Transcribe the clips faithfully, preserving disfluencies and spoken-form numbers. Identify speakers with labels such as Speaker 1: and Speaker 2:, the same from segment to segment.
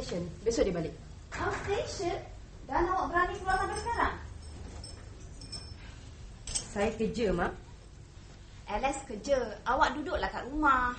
Speaker 1: station. Besok dia balik.
Speaker 2: Oh, station? Dan awak berani keluar sampai sekarang?
Speaker 1: Saya kerja, Mak.
Speaker 2: Alex kerja. Awak duduklah kat rumah.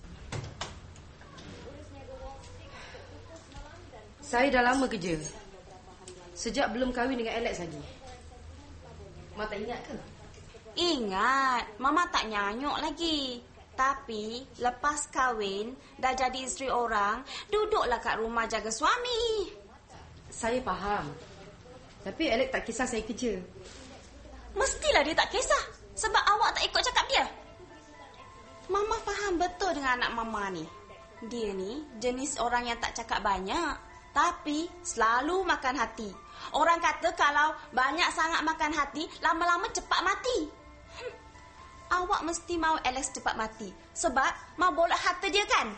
Speaker 1: Saya dah lama kerja. Sejak belum kahwin dengan Alex lagi. Mak tak ingat ke?
Speaker 2: Ingat. Mama tak nyanyuk lagi. Tapi lepas kahwin, dah jadi isteri orang, duduklah kat rumah jaga suami.
Speaker 1: Saya faham. Tapi Alex tak kisah saya kerja.
Speaker 2: Mestilah dia tak kisah. Sebab awak tak ikut cakap dia. Mama faham betul dengan anak Mama ni. Dia ni jenis orang yang tak cakap banyak, tapi selalu makan hati. Orang kata kalau banyak sangat makan hati, lama-lama cepat mati. Hm. Awak mesti mahu Alex cepat mati. Sebab mau bolak harta dia kan?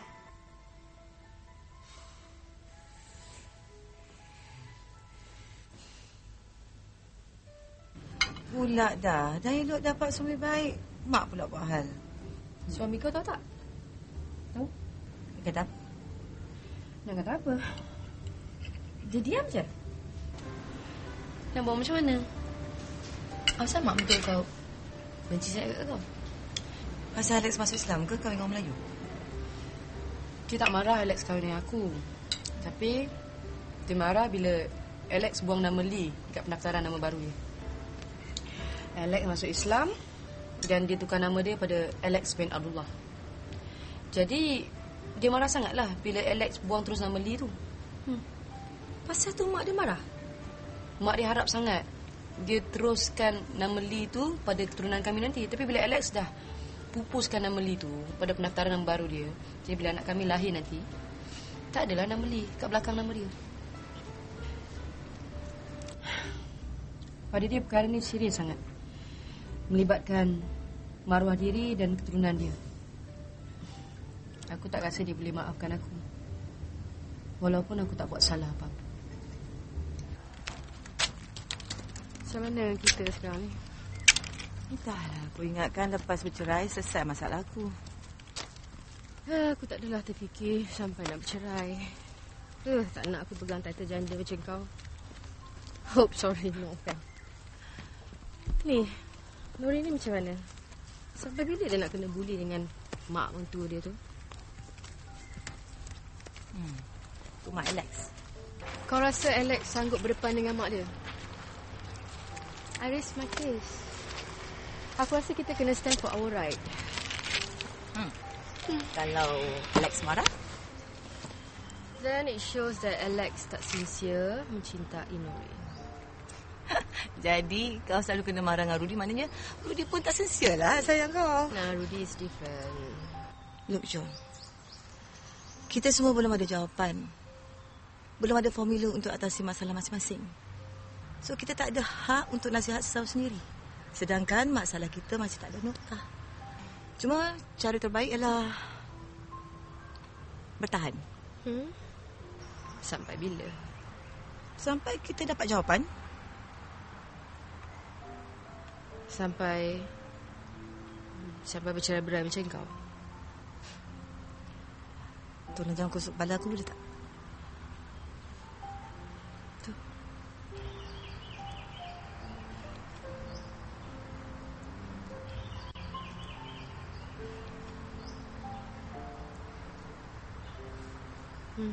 Speaker 3: Pula dah. Dah elok dapat suami baik. Mak pula buat hal.
Speaker 1: Suami kau tahu tak? Tahu?
Speaker 3: Dia kata apa?
Speaker 1: Nak kata apa? Dia diam je. Nak buat macam mana? Asal mak betul kau benci saya kat kau?
Speaker 3: Pasal Alex masuk Islam ke kahwin dengan Melayu?
Speaker 1: Dia tak marah Alex kahwin dengan aku. Tapi dia marah bila Alex buang nama Lee dekat pendaftaran nama baru dia. Alex masuk Islam dan dia tukar nama dia pada Alex bin Abdullah. Jadi dia marah sangatlah bila Alex buang terus nama Lee tu. Hmm. Pasal tu mak dia marah. Mak dia harap sangat dia teruskan nama Lee tu pada keturunan kami nanti. Tapi bila Alex dah pupuskan nama Lee tu pada pendaftaran nama baru dia, jadi bila anak kami lahir nanti, tak adalah nama Lee kat belakang nama dia. Pada dia perkara ni serius sangat. Melibatkan maruah diri dan keturunan dia. Aku tak rasa dia boleh maafkan aku. Walaupun aku tak buat salah apa-apa. Macam mana kita sekarang ni?
Speaker 3: Entahlah, aku ingatkan lepas bercerai selesai masalah aku.
Speaker 1: Ha, aku tak adalah terfikir sampai nak bercerai. Uh, tak nak aku pegang title janda macam kau. Hope sorry, no offense. Ni, Nuri ni macam mana? Sampai bila dia nak kena bully dengan mak mentua dia tu?
Speaker 3: Hmm, tu mak Alex.
Speaker 1: Kau rasa Alex sanggup berdepan dengan mak dia? I raise my case. Aku rasa kita kena stand for our right.
Speaker 3: Hmm. Hmm. Kalau Alex marah?
Speaker 1: Then it shows that Alex tak sincere mencintai Nuri.
Speaker 3: Jadi kau selalu kena marah dengan Rudy, maknanya Rudy pun tak sincere lah sayang kau.
Speaker 1: Nah, Rudy is different.
Speaker 3: Look John, kita semua belum ada jawapan. Belum ada formula untuk atasi masalah masing-masing. So kita tak ada hak untuk nasihat sesama sendiri. Sedangkan masalah kita masih tak ada noktah. Cuma cara terbaik ialah bertahan.
Speaker 1: Hmm? Sampai bila?
Speaker 3: Sampai kita dapat jawapan.
Speaker 1: Sampai Sampai bercerai-berai macam kau.
Speaker 3: Tolong jangan kusuk kepala aku boleh tak?
Speaker 1: Tu. Hmm.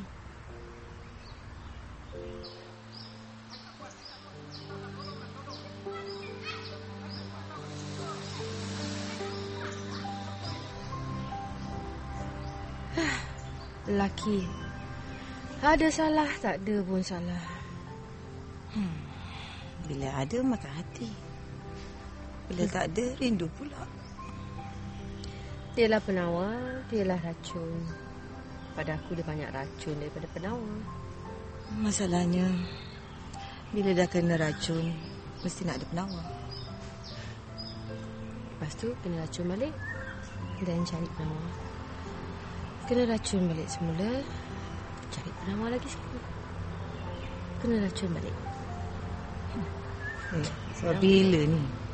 Speaker 1: Lelaki ada salah, tak ada pun salah.
Speaker 3: Hmm. Bila ada makan hati, bila hmm. tak ada rindu pula.
Speaker 1: Dialah penawar, dialah racun. Pada aku dia banyak racun daripada penawar.
Speaker 3: Masalahnya bila dah kena racun, mesti nak ada penawar.
Speaker 1: Lepas tu kena racun balik dan cari penawar. Kena racun balik semula, cari penawar lagi sekali. Kena racun balik.
Speaker 3: Hmm. Eh, so bila ni?